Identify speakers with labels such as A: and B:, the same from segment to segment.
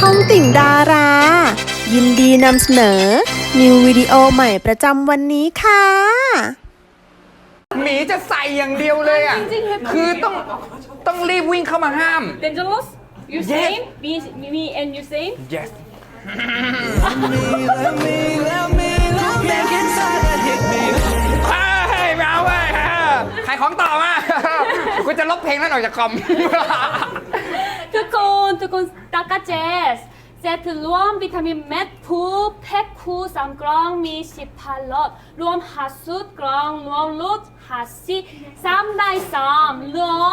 A: องติ่งดารา ยินดีนำเสนอ นิววิดีโอใหม่ประจำวันนี้ค่ะ
B: หมีจะใส่อย่างเดียวเลยอ่ะ คือต้องรีบวิ่งเข้ามาห้าม
C: Dangerous? You
B: Yes.
C: same? Me and you same?
B: yes เฮ้ยไม่เอาเว้ยขายของต่อมากูจะลบเพลงนั้นออกจากคอม
C: ทุกคนตากาเจสเซตรวมวิตามินเม็ดพูแพ็คคู่3 กล่องมี18 หลอดรวม50 กล่องรวมลด50 3 ได้3เหลือ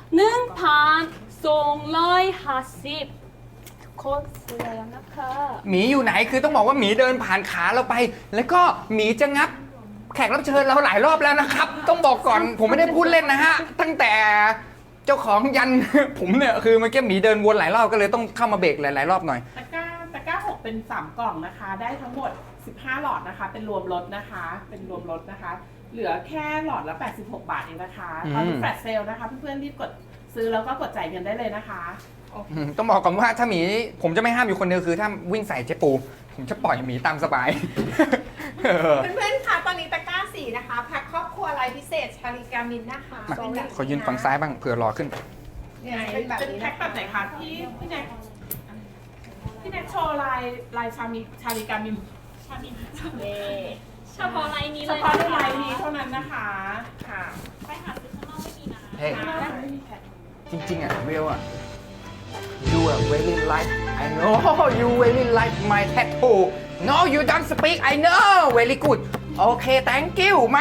C: 1,250 ทุกคนซื้อแล้วนะคะ
B: หมีอยู่ไหนคือต้องบอกว่าหมีเดินผ่านขาเราไป แล้วก็หมีจะงับแขกรับเชิญเราหลายรอบแล้วนะครับ ต้องบอกก่อนผมไม่ได้พูดเล่นนะฮะ ตั้งแต่เจ้าของยัน ผมเนี่ยคือเมื่อกี้หมีเดินวนหลายรอบก็เลยต้องเข้ามาเบรกหลายๆรอบหน่อย
D: ตะกร้า6เป็น3 กล่องนะคะ ได้ทั้งหมด15 หลอดนะคะ เป็นรวมลดนะคะ เหลือแค่หลอดละ86 บาทเองนะคะตอนนี้แฟลชเซลนะคะเพื่อนๆรีบกดซื้อแล้วก็กดจ่ายเงินได้เลยนะคะ
B: ต้องบอกก่อนว่าถ้าหมีผมจะไม่ห้ามอยู่คนเดียวคือถ้าวิ่งใส่เจ๊ปู ผมจะปล่อยหมีตามสบาย
E: เพื่อนๆคะตอนนี้ตะกร้า4นะคะแพ็คครอบครัวลายพิเศษชาลิกามินนะคะ
B: มา
E: เป็นแบบ
B: ขอยืนฝั่งซ้ายบ้างเผื่อรอขึ้น
E: เนี่ยเป็นแบบ
D: เป็น
E: นี้
D: แพ็
E: นะ
D: คแบบไหนคะพี่แน็กโชว์ลายชาลิกามิน
C: เย้เฉพาะไลน์นี้
D: เฉ
C: เลย
D: พาะในลายนี้เท่านั้นนะคะค่ะ
C: ไปหาซื้อข้างนอกไม่มีนะ
B: เฮ้ยจริงๆอ่ะเวลอ่ะ you are very like I know you very like my tattoo no you don't speak I know very good okay thank you มา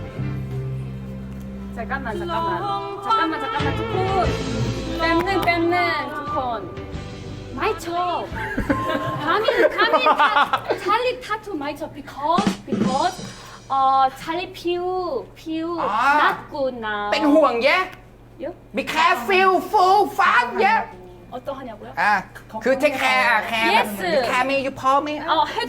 C: 잠깐만ทุกคนแป๊บนึงทุกคนไม่ชอบ찰리 타투ไม่ชอบ because 찰리ผิว not good now
B: เป็นห่วงแยะ
C: 요?
B: be careful full fast แยะ
C: 어떠하냐고요?
B: คือ take care แคร์แบบ
C: Yes.
B: you care me you call me
C: 해도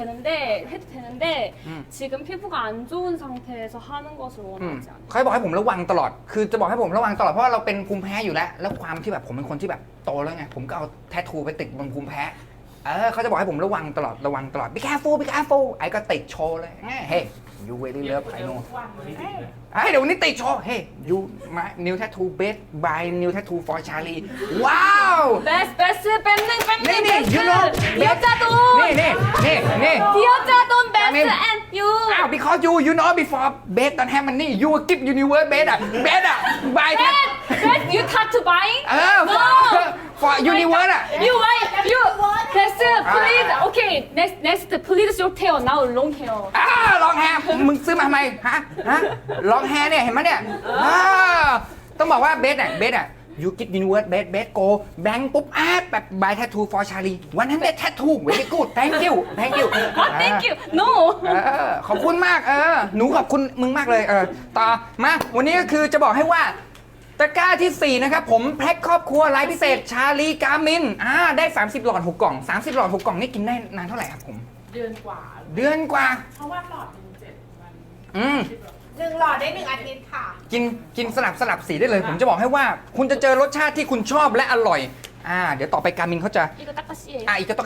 C: 되는데 지금 피부가 안 좋은 상태에서 하는 것을 원하지 않아요.
B: เขาบอกให้ผมระวังตลอด คือจะบอกให้ผมระวังตลอดเพราะว่าเราเป็นภูมิแพ้อยู่แล้ว แล้วความที่แบบผมเป็นคนที่แบบโตแล้วไง ผมก็เอาแทททูไปติดบนภูมิแพ้ เขาจะบอกให้ผมระวังตลอด be careful ไอ้ก็ติดโชว์เลย เฮ้ you really love I know เดี๋ยววันนี้ติดโชว์ เฮ้ you my new tattoo best by new tattoo for Charlie ว้าว
C: 베스트 뺨능
B: นี่ you know
C: 디어짜돈
B: นี่
C: 디어짜돈
B: 아멘.
C: 베스트 and you
B: อ้าว because you know before best don't have money you give universe best buy that
C: best you tattoo buying? No
B: for universe
C: You 베스트 please okay next please your tail now long hair
B: ลองแฮร์มึงซื้อมาทำไมฮะลองแฮร์เนี่ยเห็นไหมเนี่ยต้องบอกว่าเบสyou get universe best go blank ปุ๊บแบบ buy tattoo for Charlie 100 tattoo very good thank you
C: thank you no
B: ขอบคุณมากหนูขอบคุณมึงมากเลยต่อมาวันนี้ก็คือจะบอกให้ว่าตะกร้าที่4นะครับผมแพ็คครอบครัวไลฟ์พิเศษชาลีกามินได้30 หลอด 6 กล่อง30 หลอด 6 กล่องนี่กินได้นานเท่าไหร่ครับผม
D: เดือนกว่า
B: เดือนกว่า
D: เพราะว่าหลอดหนึ่ง7 วัน
E: 1 หลอดได้ 1 อาทิตย์ค่ะ
B: กินสลับสีได้เลย ผมจะบอกให้ว่าคุณจะเจอรสชาติที่คุณชอบและอร่อยเดี๋ยวต่อไปการมินเขาจะ
C: 이거 딱까시예요
B: อีกก็ต้อง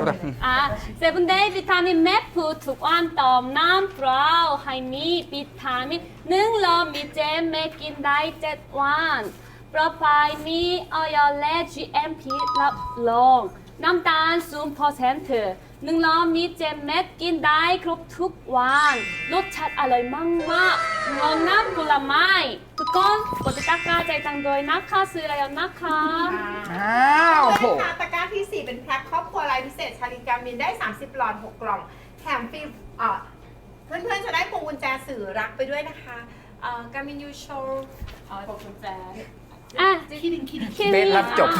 C: 세븐데이 비타민 매프 두관 덤남 브라우 하이미 비타민 능러 미제 맥긴 다이 젯완 프로파이 미 어열레 GMP 랍롱 남단 순퍼센트 능러 미제 맥긴 다이 그룹 툭완 로찻 알로이 망마 응원남 불라마이 두건 고지 닦아 제장도이 나카 쓰라요 나카
E: เพื่อนๆคะตะกร้าที่ 4 เป็นแพ็คครอบครัวลายพิเศษชาลิกามินได้ 30 หลอด 6 กล่อง แถมฟรีเพื่อนๆจะได้พวงกุญแจสื่อรักไปด้วยนะคะกามินยูโชว์
D: ขอบคุณแจ๊
C: 아
B: เบสรับจบ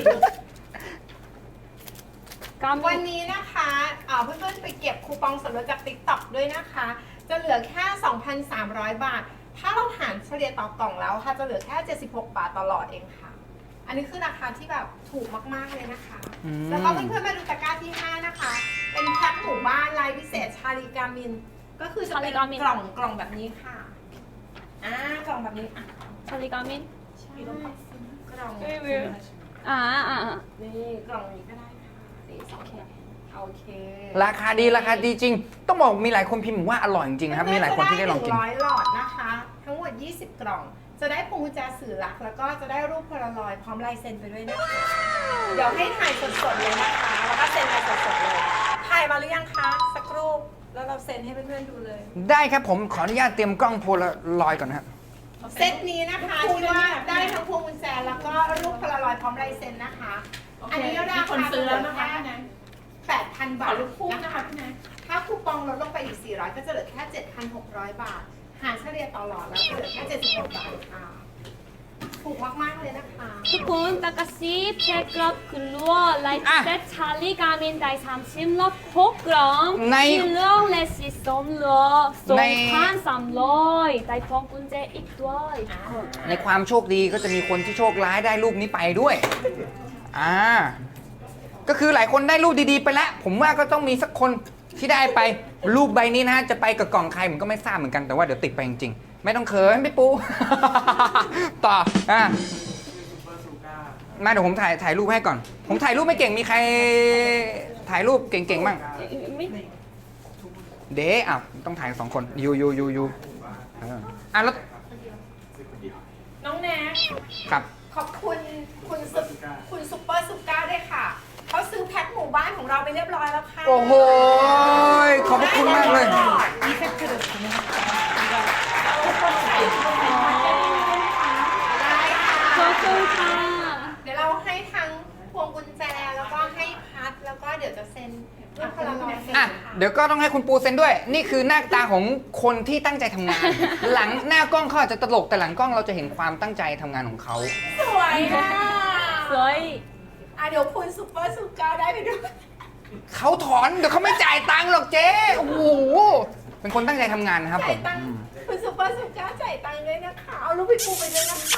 E: วันนี้นะคะเพื่อนๆไปเก็บคูปองส่วนลดจาก TikTok ด้วยนะคะ จะเหลือแค่ 2,300 บาท ถ้าเราหารเฉลี่ยต่อกล่องแล้วค่ะจะเหลือแค่ 76 บาทต่อหลอดเองค่ะ อันนี้คือราคาที่แบบถูกมากๆเลยนะคะ แล้วก็เพื่อนๆมาดูตะกร้าที่ 5 นะคะ เป็นแพ็คหมู่บ้านลายพิเศษชาลิกามิน ก็คือจะเป็นกล่องแบบนี้ค่ะกล่องแบบนี้
C: 찰리가민
E: ใช่กล่อง
C: 아
E: นี่กล่องนี้ก็ได้ค่ะโอเค
B: ราคาดีจริง ต้องบอกมีหลายคนพิมพ์ว่าอร่อยจริงๆนะครับ มีหลายคนที่ได้ลองกิน
E: 100 หลอดนะคะ ทั้งหมด 20 กล่อง จะได้พวงกุญแจสื่อรัก แล้วก็จะได้รูปโพลารอยด์พร้อมลายเซ็นไปด้วยนะคะ เดี๋ยวให้ถ่ายสดๆเลยนะคะ แล้วก็เซ็นไปสดๆเลย ถ่ายมาหรือยังคะ สักรูป แล้วเราเซ็นให้เพื่อนๆดูเลย
B: ได้ครับผมขออนุญาตเตรียมกล้องโพลารอยด์ก่อนนะครับ
E: เซตนี้นะคะที่ว่าได้ทั้งพวงกุญแจแล้วก็รูปโพลารอยด์พร้อมลายเซ็นนะคะ อันนี้รา
D: มีคน
E: คา
D: ซื้อแล้วนะคะพี่แนน
E: 8,000 บา
D: ขอ
E: ท
D: ลูกคู่นะคะพี่แนน
E: ถ้าคูปองลดลงไปอีก 400 ก็จะเหลือแค่ 7,600 บาท หารเฉลี่ยต่อหลอดแล้วจะเหลือแค่ 76 บาทค่ะถูกมากๆเลยนะคะ
C: ทุกคนตะกะซีเพลกรอบกลัวไลฟ์เซตชาลีกามินได30รอบ6กล่อง
B: ใน
C: ที่เรื่องเลสิสมเหลือ
B: ใน
C: 2,300ได้พร้อมกุญแจอีกด้วย
B: ในความโชคดีก็จะมีคนที่โชคร้ายได้รูปนี้ไปด้วยก็คือหลายคนได้รูปดีๆไปแล้ว ผมว่าก็ต้องมีสักคนที่ได้ไปรูปใบนี้นะฮะจะไปกับกล่องใครผมก็ไม่ทราบเหมือนกันแต่ว่าเดี๋ยวติดไปจริงๆไม่ต้องเขินพี่ปู ต่อมาเดี๋ยวผมถ่ายรูปให้ก่อน ผมถ่ายรูปไม่เก่งมีใครถ่ายรูปเก่งๆบ้าง
C: ไม่
B: เด้อ้าวต้องถ่าย2 คนยูแล้ว
E: น้องแน็ก
B: ครับ
E: ขอบคุณคุณซุปเปอร์ซุปก้าด้วยค่ะ เขาซื้อแพ็คหมู่บ้านของเราไปเรียบร้อยแล้วค่ะ
B: โอ้โหขอบพระคุณมากเลย
E: ได้ค่ะ
C: ขอบคุณค่ะ
E: เดี๋ยวเราให้ทั้งพวงกุญแจแล้วก็ให้พัดแล้วก็เดี๋ยวจะเซ็นรูปโพลารอยด์เซ็น
B: อ่ะ
E: ค่ะ
B: เดี๋ยวก็ต้องให้คุณปูเซ็นด้วย นี่คือหน้าตาของคนที่ตั้งใจทำงาน หลังหน้ากล้องเขาอาจจะตลกแต่หลังกล้องเราจะเห็นความตั้งใจทำงานของเขา
E: สวยอ่ะ
C: สวย
E: เดี๋ยวคุณซุปเปอร์ซุปก้าได้ไปด้วย
B: เขาถอนเดี๋ยวเขาไม่จ่ายตังค์หรอกเจ๊โอ้โหเป็นคนตั้งใจทำงานนะครับผ
E: จ่าย
B: ม
E: ตังค์คุณซุปเปอร์ซุปก้าจ่ายตังค์ด้วยนะคะ เอารูปพี่ปูไปด้วยนะคะ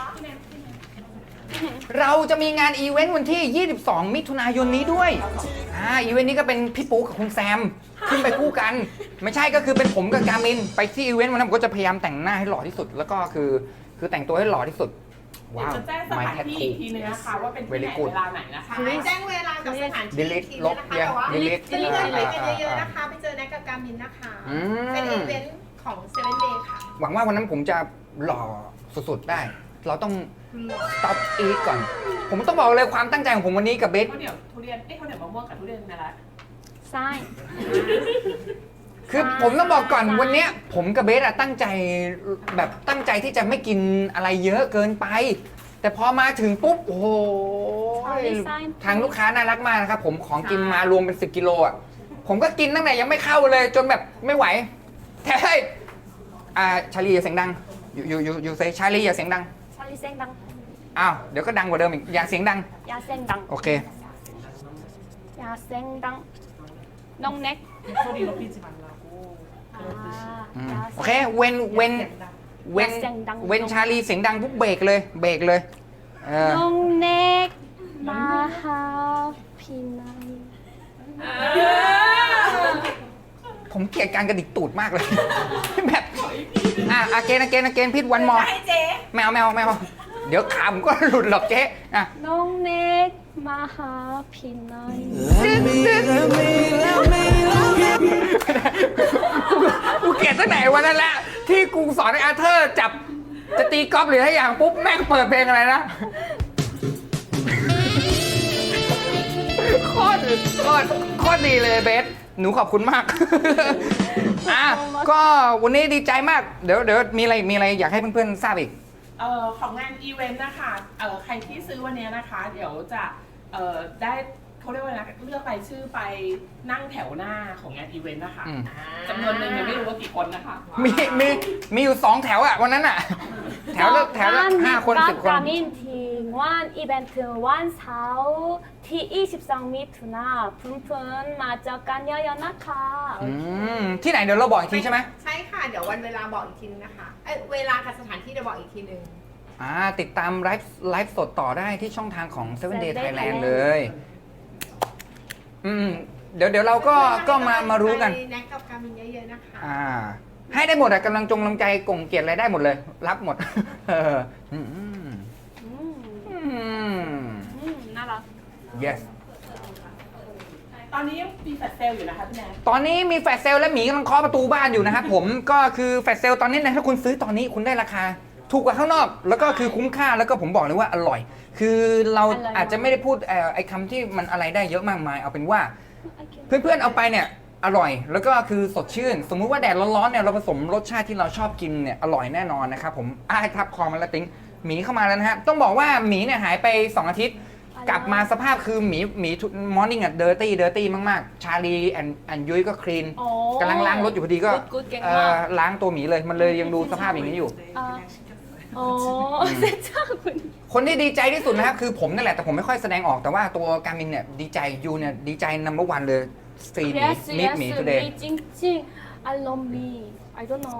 B: เราจะมีงานอีเวนต์วันที่ 22 มิถุนายนนี้ด้วยอีเวนต์นี้ก็เป็นพี่ปูกับคุณแซมขึ้นไปคู่กัน ไม่ใช่ก็คือเป็นผมกับการมินไปที่อีเวนต์วันนั้นผมก็จะพยายามแต่งหน้าให้หล่อที่สุด แล้วก็คือแต่งตัวให้หล่อที่สุด
D: เดี๋ยวจะแจ้งสถานที่อีกทีนึงนะคะว่าเป็นที่ไหนเวลาไหนนะคะ
E: แจ้งเวลากับสถานที่อีกทีนึงนะคะแต่ว่า
B: delete
E: เพื่อนๆไปกันเยอะๆนะคะ ไปเจอแน็กกับการมินนะคะ เป็นอีเวนต์ของเซเว่นเดย์ค่ะ
B: หวังว่าวันนั้นผมจะหล่อสุดๆได้ เราต้อง stop eat ก่อน ผมต้องบอกเลยความตั้งใจของผมวันนี้กับเบส
D: ข้าวเหนียวทุเรียนข้าวเหนียวมะม่วงกับทุเรียนนะละ
C: ใช่
B: คือผมต้องบอกก่อนวันเนี้ยผมกับเบสอะตั้งใจแบบตั้งใจที่จะไม่กินอะไรเยอะเกินไป แต่พอมาถึงปุ๊บโอ้โหทางลูกค้าน่ารักมากนะครับผมของกินมารวมเป็น10 กิโลอ่ะผมก็กินตั้งแต่ยังไม่เข้าเลยจนแบบไม่ไหวแท้ชาลีอย่าเสียงดังอยู่เซชาลีอย่าเสียงดัง
C: ชาลีเซ็งดัง
B: อ้าวเดี๋ยวก็ดังกว่าเดิมอีกอย่าเสียงดัง
C: อย่าเซ็งดัง
B: โอเค
C: อย่าเซ็งดังน้องเน็ก
D: ข้าวเหนียวพี่จิมันลาโก้
C: อย่า
B: โอเคเว้นชาลีเสียงดังปุ๊บเบรกเลย
C: น้องเน็กมาหาพี่นาย
B: ผมเกลียดการกระดิกตูดมากเลย แบบอาเกนพิษวันมอ
E: ให้เจ๊
B: แมวเดี๋ยวขาผมก็หลุดหรอกเจ๊อ่ะ
C: น้องเน็กมาหาพี่นาย
B: กูเกลียดตั้งไหนวันนั้นแหละที่กูสอนให้อาเธอร์จับจะตีกอล์ฟหรืออะไรอย่างปุ๊บแม่งเปิดเพลงอะไรนะโคตรดีเลยเบสหนูขอบคุณมาก ก็วันนี้ดีใจมากเดี๋ยวมีอะไรอยากให้เพื่อนๆทราบอีก
D: ของงานอีเวนต์นะคะใครที่ซื้อวันนี้นะคะ เดี๋ยวจะได้เขาเรียกว่านะเลือกรายชื่อไปนั่งแถวหน้าของงานอีเวนต์นะคะจำนวนหนึ่งยังไม่รู้ว่ากี่คนนะคะ
B: มีอยู่2 แถวอ่ะวันนั้นอ่ะแถวละ5 คน10 คน
C: กามินทีวันอีเวนต์วันเสาร์ที่22 มิถุนายนเพื่อนๆมาเจอกันเยอะๆนะคะ
B: ที่ไหนเดี๋ยวเราบอกอีกทีใช่ไหม
E: ใช่ค่ะ เดี๋ยววันเวลาบอกอีกทีนึงนะคะเวลากับสถานที่เดี๋ยวบอกอีกทีนึง
B: ติดตามไลฟ์สดต่อได้ที่ช่องทางของ 7 Day Thailand เลย เดี๋ยวเราก็มารู้กัน
E: แน็กกับการมินเยอะๆนะคะ
B: ให้ได้หมดอะกำลังใจกงเกียรติอะไรได้หมดเลย รับหมด
C: น่ารัก
B: yes
D: ตอนนี้ยังมีแฟลชเซลอยู่นะคะพี่แนน
B: ตอนนี้มีแฟลชเซลและหมีกำลังเคาะประตูบ้านอยู่นะครับผมก็คือแฟลชเซลตอนนี้นะถ้าคุณซื้อตอนนี้คุณได้ราคาถูกกว่าข้างนอก แล้วก็คือคุ้มค่าแล้วก็ผมบอกเลยว่าอร่อย คือเราอาจจะไม่ได้พูดไอ้คำที่มันอะไรได้เยอะมากมายเอาเป็นว่า เพื่อนๆเอาไปเนี่ยอร่อยแล้วก็คือสดชื่น สมมุติว่าแดดร้อนๆเนี่ยเราผสมรสชาติที่เราชอบกินเนี่ยอร่อยแน่นอนนะครับผมทับคอมันแล้วติ้งหมีเข้ามาแล้วนะฮะต้องบอกว่าหมีเนี่ยหายไป2 อาทิตย์ กลับมาสภาพคือหมีมอร์นิ่งอะเดอร์ตี้มากๆชาลีแอนยุ้ยก็คลีน
C: โอ้
B: กำลังล้างรถอยู่พอดีก็
C: good เก่งมาก
B: ล้างตัวหมีเลยมันเลยยังดูสภาพอย่างนี้อยู่
C: อ๋อเซ็ตจ้าคุณ
B: คนที่ดีใจที่สุดนะครับคือผมนั่นแหละแต่ผมไม่ค่อยแสดงออกแต่ว่าตัวการมินเนี่ยดีใจยูเนี่ยดีใจnumber 1เลยซีหมี
C: yes
B: มิด
C: yes
B: หมี today
C: มีจริงๆ I love me I don't know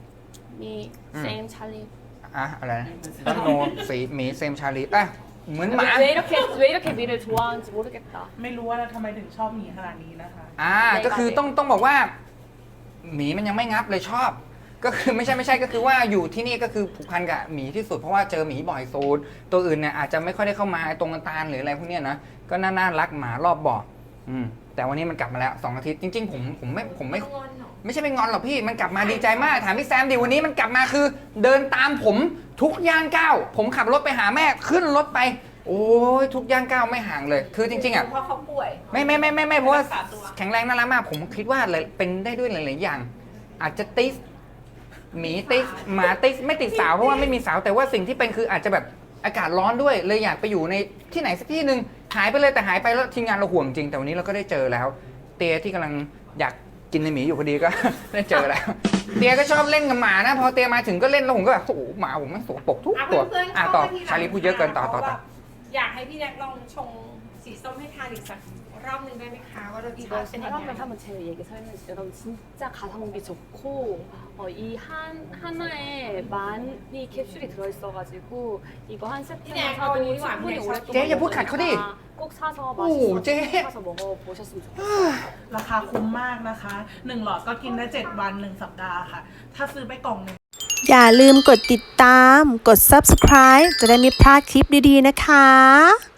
C: me same Charlie
B: อะไรนะดันโนสีหมีเซมชาลีเหมือนหมา
C: 왜 이렇게 미를 좋아하는지 모르겠다
D: ไม่รู้ว่าทำไมถึงชอบหมีขนาดนี้นะคะ
B: ก็คือต้องบอกว่าหมีมันยังไม่งับเลยชอบ ก็คือไม่ใช่ก็คือว่าอยู่ที่นี่ก็คือผูกพันกับหมีที่สุดเพราะว่าเจอหมีบ่อยสุดตัวอื่นเนี่ยอาจจะไม่ค่อยได้เข้ามาตรงกันตาลหรืออะไรพวกเนี้ยนะก็น่ารักหมารอบบ่อแต่วันนี้มันกลับมาแล้ว2 อาทิตย์จริงๆผมไม่ใช่ไปงอนหรอกพี่มันกลับมาดีใจมากถามพี่แซมดิวันนี้มันกลับมาคือเดินตามผมทุกย่างก้าวผมขับรถไปหาแม่ขึ้นรถไปโอ้ยทุกย่างก้าวไม่ห่างเลยคือจริงๆอ่ะ
E: เพราะเขาป่วย
B: ไม่เพราะว่าแข็งแรงน่ารักมากผมคิดว่าเป็นได้ด้วยหลายๆอย่าง อาจจะติสหมีติสหมาติสไม่ติดสาวเพราะว่าไม่มีสาวแต่ว่าสิ่งที่เป็นคืออาจจะแบบอากาศร้อนด้วยเลยอยากไปอยู่ในที่ไหนสักที่หนึ่งหายไปเลยแต่หายไปแล้วทีมงานเราห่วงจริงแต่วันนี้เราก็ได้เจอแล้ว เตียที่กำลังอยากกินในหมีอยู่พอดีก็ ได้เจอแล้ว เตียก็ชอบเล่นกับหมานะพอเตียมาถึงก็เล่นแล้วผมก็แบบโอ้โหหมาผมมันสกปรกทุกตัว
E: เพื่อนๆเข้า
B: ต่อ
E: มาทีหลัง
B: ชาลีพูดเยอะเกินต่อ
E: อยากให้พี่แน็กลองชงสีส้มให้ทานอีกสักรอบหนึงได้ไหมคะว่ารสชา
C: 이거
E: ติเป็นยังไง
C: 사람을 한번 제 얘기 설명해 주세요. 여러분 진짜 가성비 좋고 이 하나에 많이 캡슐이 들어있어가지고 이거 한 세트만 사도 충분히 오랫동안
B: 쟤, 얘 뭐 갖고 đi.
C: 먹으니까 꼭 사서
B: 오,
C: 맛있어서
B: 쟤.
C: 꼭 사서 먹어보셨으면 좋겠어요.
D: ราคาคุ้มมากนะคะ1 หลอดก็กินได้7 วัน1 สัปดาห์ค่ะ ถ้าซื้อไปกล่องหนึง
A: อย่าลืมกดติดตาม กด subscribe จะได้ไม่พลาดคลิปดีๆนะคะ